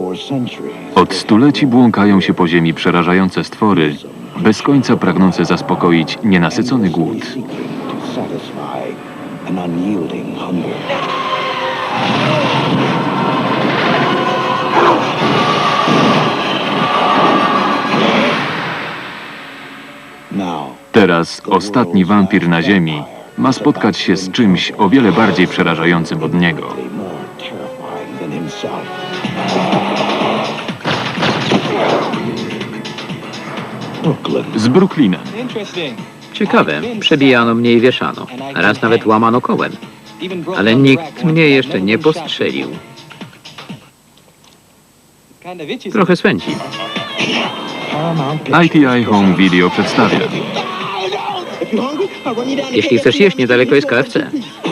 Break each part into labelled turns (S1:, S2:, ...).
S1: Od stuleci błąkają się po ziemi przerażające stwory, bez końca pragnące zaspokoić nienasycony głód. Teraz ostatni wampir na ziemi ma spotkać się z czymś o wiele bardziej przerażającym od niego. Z Brooklynem.
S2: Ciekawe, przebijano mnie i wieszano. Raz nawet łamano kołem. Ale nikt mnie jeszcze nie postrzelił. Trochę swędzi.
S1: ITI Home Video przedstawia.
S2: Jeśli chcesz jeść, niedaleko jest KFC.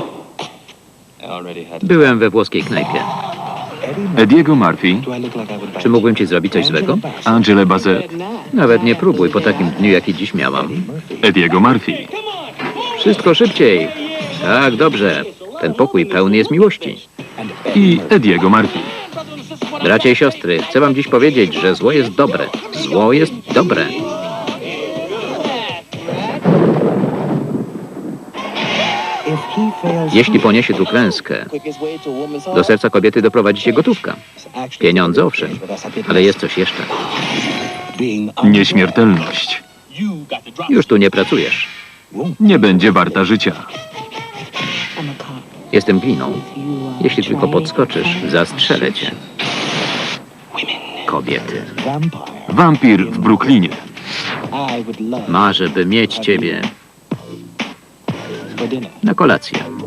S2: Byłem we włoskiej knajpie.
S1: Ediego Murphy,
S2: Czy mógłbym ci zrobić coś złego?
S1: Angela Bassett,
S2: Nawet nie próbuj po takim dniu, jaki dziś miałam.
S1: Ediego Murphy,
S2: Wszystko szybciej. Tak, dobrze. Ten pokój pełny jest miłości.
S1: i Ediego Murphy.
S2: Bracia i siostry, chcę wam dziś powiedzieć, że zło jest dobre. Zło jest dobre. Jeśli poniesie tu klęskę, do serca kobiety doprowadzi się gotówka. Pieniądze, owszem, ale jest coś jeszcze.
S1: Nieśmiertelność.
S2: Już tu nie pracujesz.
S1: Nie będzie warta życia.
S2: Jestem gliną. Jeśli tylko podskoczysz, zastrzelę cię. Kobiety.
S1: Wampir w Brooklynie.
S2: Marzę, by mieć ciebie na kolację.